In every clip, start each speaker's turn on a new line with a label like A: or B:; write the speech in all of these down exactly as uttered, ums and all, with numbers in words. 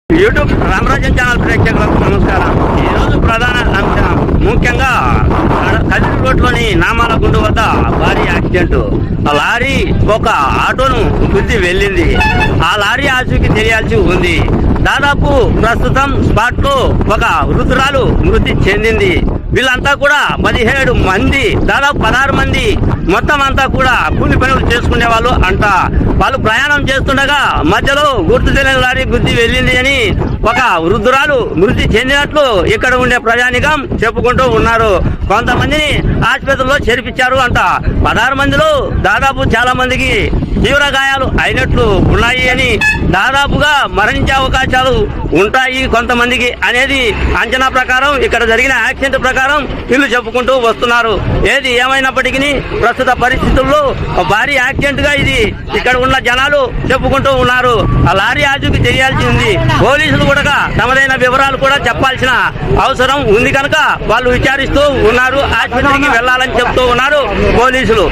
A: YouTube రామరాజ్యం channel ప్రేక్షకులకు నమస్కారం. ఈరోజు ప్రధాన అంశం ముఖ్యంగా కదిరి రోడ్లోని నామాల గుండు వద్ద భారీ యాక్సిడెంట్. ఆ లారీ ఒక ఆటోను గుద్ది వెళ్ళింది. ఆ లారీ ఆచూకీ తెలియాల్సి ఉంది. దాదాపు ప్రస్తుతం స్పాట్ లో ఒక వృద్ధురాలు మృతి చెందింది. వీళ్ళంతా కూడా పదిహేడు మంది దాదాపు పదహారు మంది మొత్తం అంతా కూడా కూలి పనులు చేసుకునే వాళ్ళు అంట. వాళ్ళు ప్రయాణం చేస్తుండగా మధ్యలో గుర్తు తెలియని లారీ గుద్ది వెళ్ళింది అని ఒక వృద్ధురాలు మృతి చెందినట్లు ఇక్కడ ఉండే ప్రజానికం చెప్పుకుంటూ ఉన్నారు. కొంతమందిని ఆసుపత్రిలో చేర్పించారు అంట. పదహారు మందిలో దాదాపు చాలా మందికి తీవ్ర గాయాలు అయినట్లు ఉన్నాయి అని, దాదాపుగా మరణించే అవకాశాలు ఉంటాయి కొంతమందికి అనేది అంచనా ప్రకారం ఇక్కడ జరిగిన యాక్సిడెంట్ ప్రకారం వీళ్ళు చెప్పుకుంటూ వస్తున్నారు. ఏది ఏమైనప్పటికీ ప్రస్తుత పరిస్థితుల్లో భారీ యాక్సిడెంట్ గా ఇది ఇక్కడ ఉన్న జనాలు చెప్పుకుంటూ ఉన్నారు. ఆ లారీ ఆచూకీ తెలియాల్సి ఉంది. పోలీసులు కూడా తమదైన వివరాలు కూడా చెప్పాల్సిన అవసరం ఉంది కనుక వాళ్ళు విచారిస్తూ ఉన్నారు. ఆసుపత్రికి వెళ్లాలని చెప్తూ ఉన్నారు పోలీసులు.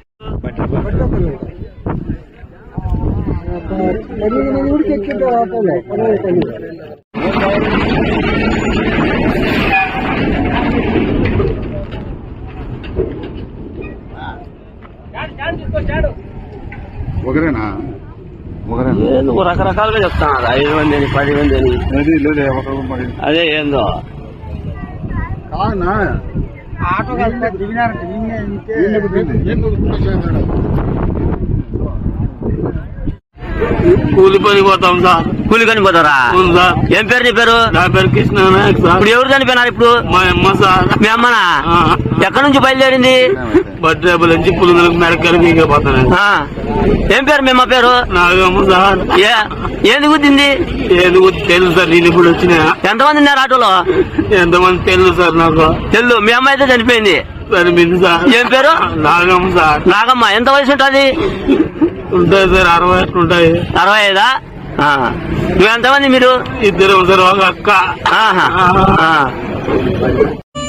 B: ఒకరేనా
A: నువ్వు రకరకాలుగా చెప్తాను. ఐదు మంది అని పది మంది అని అదే ఏందో
B: ఆటో
A: కూలి పని పోతాం సార్. కూలి పని పోతారా? సార్. ఏం పేరు నీ పేరు? నా పేరు కృష్ణ నాయక్ సార్. ఇప్పుడు ఎవరు చనిపోయినారు? ఇప్పుడు మా అమ్మ సార్. మీ అమ్మనా? ఎక్కడి నుంచి బయలుదేరింది? బట్రేపల నుంచి పులుగులకు మెడకరికి పోతాను. ఏం పేరు మీ అమ్మ పేరు? నాగమ్మ సార్. ఏది గుద్దింది? ఏది గుద్ది తెలుసు సార్. నేను ఇప్పుడు వచ్చినా. ఎంతమంది ఉన్నారు ఆటోలో? ఎంతమంది తెలుసు సార్ నాకు. తెలు. మీ అమ్మ అయితే చనిపోయింది. చనిపోయింది సార్. ఏం పేరు? నాగమ్మ సార్. నాగమ్మ. ఎంత వయసు ఉంటుంది? ఉంటాయి సార్. అరవై ఉంటాయి. అరవై ఐదా? నువ్వు ఎంతమంది మీరు? ఇద్దరు సార్. ఒక అక్క.